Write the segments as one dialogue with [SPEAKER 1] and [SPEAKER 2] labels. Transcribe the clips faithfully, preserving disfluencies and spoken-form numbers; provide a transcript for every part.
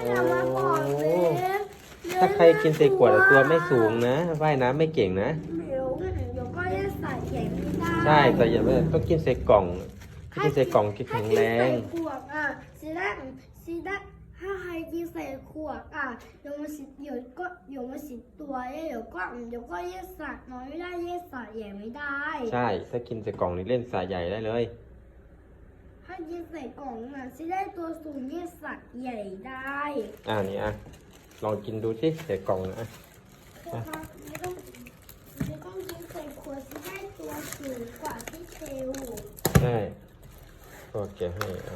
[SPEAKER 1] อย่ามาบอกเลย
[SPEAKER 2] ถ้าใครกินใส่ขวดอะตัวไม่สูงนะว่ายน้ำไม่เก่งนะ
[SPEAKER 1] เดี๋ยวเดี๋ยวก็จะใส่แข็งไม่ได้
[SPEAKER 2] ใช่แต่อย่าไปต้องกินใส่กล่องถ้ากินใส่กล่องกินแข็งแรง
[SPEAKER 1] ถ้ากินใส่ขวดอ่ะซีด้าซีด้าถ้าใครกินใส่ขวดอ่ะเดี๋ยวมันสิเดี๋ยวก็เดี๋ยวมันสิตัวเดี๋ยวก็เดี๋ยวก็เยสัตว์น้อยไม่ได้เยสัตว์ใหญ่ไม่ได้
[SPEAKER 2] ใช่ถ้ากินใส่กล่องนี่เล่นสายใหญ่ได้เลย
[SPEAKER 1] ถ้ากินใส่กล่องอ่ะซีได้ตัวสูงเยสัตว์ใหญ่ได้
[SPEAKER 2] อ่านี่อ่ะลองกินดูสิใส่กล่องนะ
[SPEAKER 1] คือครับไม่ต้องไม่ต้องกินใส่ขวดซีได้ตัวสูงกว่าที่เทล
[SPEAKER 2] ใช่ก็แกะให้อ่ะ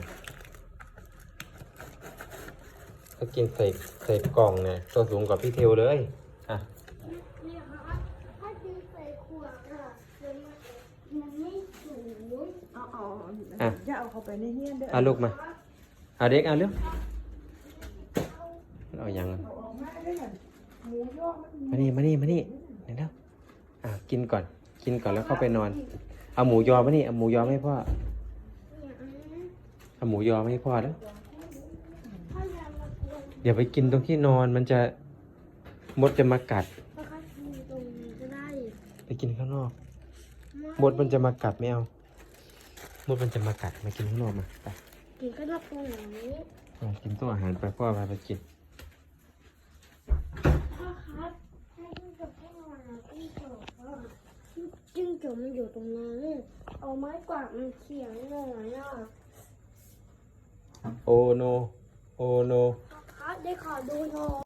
[SPEAKER 2] ถ้ากินใส่ใส่กล่องเนี่ยตัวสูงกว่าพี่เทวเลยอ่ะ
[SPEAKER 1] เนี่ยครับถ้ากินใส่ขวดอ่ะเดี๋ยวมันมันไม่สูง
[SPEAKER 3] เอาเอา
[SPEAKER 2] อ่ะ
[SPEAKER 3] จะเอาเข้าไปในเฮียนเด้อ
[SPEAKER 2] เอาลูกมาเอาเด็กเอาเร็วเอายังอ่ะ
[SPEAKER 3] เอาออกมาได้อหมูย่อมัน
[SPEAKER 2] มานี่มานี่มานี่เดี๋ยวแล้วอ่ะกินก่อนกินก่อนแล้วเข้าไปนอนเอาหมูยอมานี่เอาหมูยอมาให้พ่อ
[SPEAKER 1] เนี่ยอืม
[SPEAKER 2] เอาหมูยอมาให้พ่อแล้ว
[SPEAKER 1] ถ้าอยากมากวน
[SPEAKER 2] อย่าไปกินตรงที่นอนมันจะมดจะมากัด
[SPEAKER 1] ก็คัดมีตรงนี้ก็ได้
[SPEAKER 2] ไปกินข้างนอกมดมันจะมากัดไม่เอามดมันจะมากัดมากินข้างนอกมาไป
[SPEAKER 1] กินก็ต้องตรงนี้
[SPEAKER 2] เอากินโต๊ะอาหารไปพ่อพาไปกิน
[SPEAKER 1] พ่อครับให้จิ้งจกให้นอนนะจิ้งจกอ่ะจิ้งจกมันอยู่ตรงนั้นเอาไม้กวาดมันเขียงหน่อยอ่ะ
[SPEAKER 2] โอโนโอโน
[SPEAKER 1] พ่อครับได้ขอดูหน่อย